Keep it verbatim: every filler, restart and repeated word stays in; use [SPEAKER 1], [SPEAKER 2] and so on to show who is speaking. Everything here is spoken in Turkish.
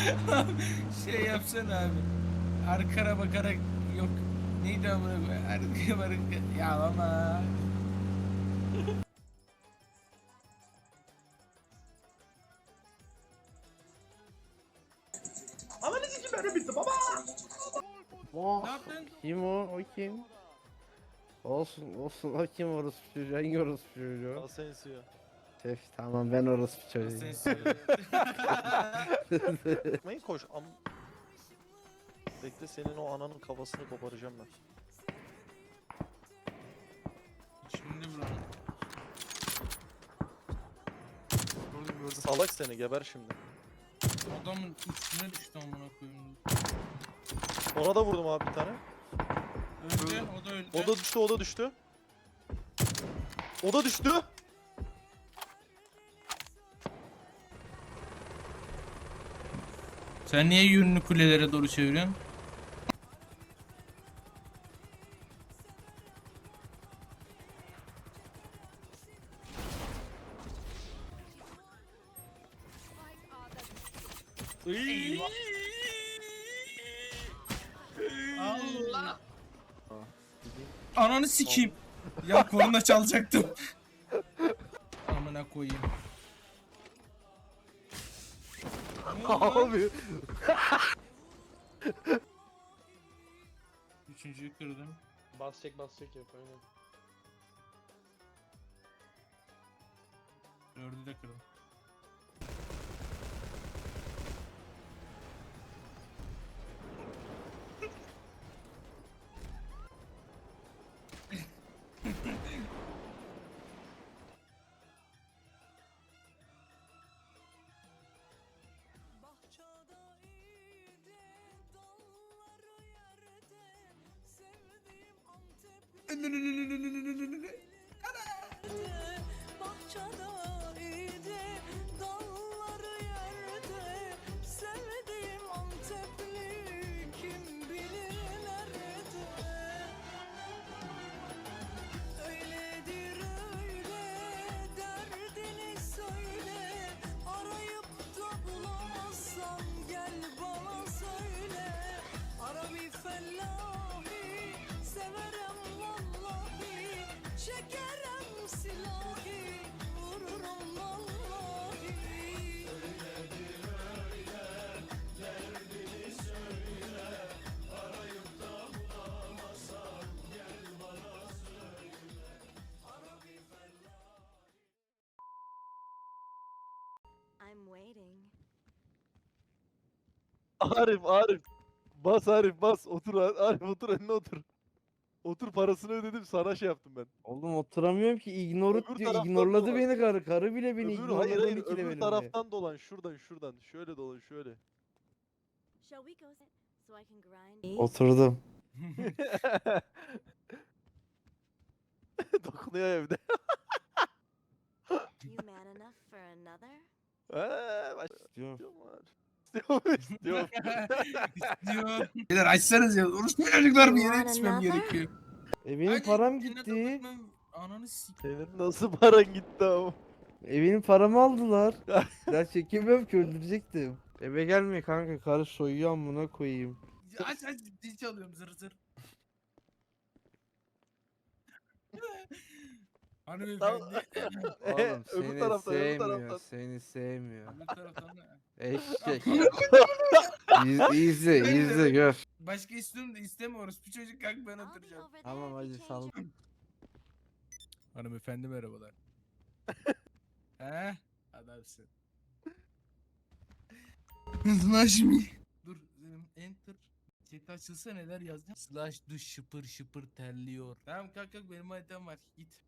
[SPEAKER 1] Şey yapsana abi. Arkana bakarak yok. Neydi amına koyayım? Arkaya bakarak ya ama.
[SPEAKER 2] Ananı sikim benim bitti baba.
[SPEAKER 3] Oh,
[SPEAKER 1] Ne yaptın?
[SPEAKER 3] kim o? O kim? Olsun olsun o kim orospu çocuğu? Hangi orospu çocuğu?
[SPEAKER 4] Asensio.
[SPEAKER 3] Şef tamam ben orospu çocuğu.
[SPEAKER 1] Sen söyle.
[SPEAKER 4] Gitmeyin koş. Am Bekle senin o ananın kafasını koparacağım ben.
[SPEAKER 1] Şimdi buranın. Gördüm gördüm.
[SPEAKER 4] Salak seni geber şimdi.
[SPEAKER 1] Adamın üstüne düştü amına koyayım.
[SPEAKER 4] Ona da vurdum abi bir tane.
[SPEAKER 1] Öldü, o da öldü.
[SPEAKER 4] O da düştü, o da düştü. O da düştü.
[SPEAKER 1] Sen niye yönünü kulelere doğru çeviriyorsun? Eyvah. Allah. Ananı sikeyim. Ya korna çalacaktım. Amına koyayım. Ne oldu lan?
[SPEAKER 4] Abi.
[SPEAKER 1] Üçüncüyü kırdım.
[SPEAKER 2] Bas çek bas çek yap aynen.
[SPEAKER 1] Dördü de kırdım.
[SPEAKER 5] Bahçada iyiydi, dalları yerde. Sevdiğim Antepli kim bilir nerede. Öyledir öyle, derdini söyle. Arayıp da bulamazsan gel bana söyle. Ara bir fellahi, severim vallahi. Çekerim silahı, vururum vallahi.
[SPEAKER 6] I'm waiting.
[SPEAKER 4] Arif, Arif. Bas Arif, bas. Otur Arif, otur önüne otur. Otur parasını ödedim sana şey yaptım ben.
[SPEAKER 3] Oğlum oturamıyorum ki ignore
[SPEAKER 4] Öbür
[SPEAKER 3] diyor.
[SPEAKER 4] taraftan
[SPEAKER 3] ignorladı
[SPEAKER 4] dolan.
[SPEAKER 3] beni karı. Karı bile beni
[SPEAKER 4] Öbür, hayır
[SPEAKER 3] ignorladı
[SPEAKER 4] hayır
[SPEAKER 3] iki
[SPEAKER 4] öbür
[SPEAKER 3] levelimde.
[SPEAKER 4] taraftan dolan şuradan şuradan. Şöyle dolan şöyle.
[SPEAKER 6] Shall we go sit so I can grind?
[SPEAKER 3] Oturdum.
[SPEAKER 4] Dokunuyor evde.
[SPEAKER 6] You man enough for another?
[SPEAKER 4] Eee baş...
[SPEAKER 3] Diyorum.
[SPEAKER 4] İstiyorum istiyorum.
[SPEAKER 1] İstiyor. Beyler açsanız ya. Orospu çocuklar bir yere
[SPEAKER 6] Aman
[SPEAKER 1] yetişmem
[SPEAKER 6] another?
[SPEAKER 1] gerekiyor.
[SPEAKER 3] E benim
[SPEAKER 1] Hadi,
[SPEAKER 3] param
[SPEAKER 1] seninle
[SPEAKER 3] gitti.
[SPEAKER 1] kapatmam- Ananı sik.
[SPEAKER 4] Senin nasıl paran gitti ama?
[SPEAKER 3] E benim paramı aldılar. Ya çekemiyorum ki öldürecektim. Eve gelme kanka karı soyuyor amına koyayım.
[SPEAKER 1] Aç aç dil çalıyorum zır zır. Hanımefendi.
[SPEAKER 3] Oğlum
[SPEAKER 4] öbür
[SPEAKER 3] seni
[SPEAKER 4] taraftan öbür
[SPEAKER 3] sevmiyor,
[SPEAKER 4] taraftan.
[SPEAKER 3] seni sevmiyor.
[SPEAKER 1] Öbür taraftan da.
[SPEAKER 3] Eşek. İz, izle, izle gör.
[SPEAKER 1] Başka istiyorum da istemiyoruz. Bir çocuk kalk ben
[SPEAKER 6] I'll be
[SPEAKER 1] oturacağım.
[SPEAKER 6] over there
[SPEAKER 3] Tamam
[SPEAKER 6] if you
[SPEAKER 3] hadi
[SPEAKER 6] change
[SPEAKER 3] sal.
[SPEAKER 6] your-
[SPEAKER 1] Hanımefendi merhabalar. He? Adamsın. Slash me. Dur. benim Enter. Chat açılsa neler yazacağım? Slash duş şıpır şıpır terliyor. Tamam kalk kalk benim haritam var. Git.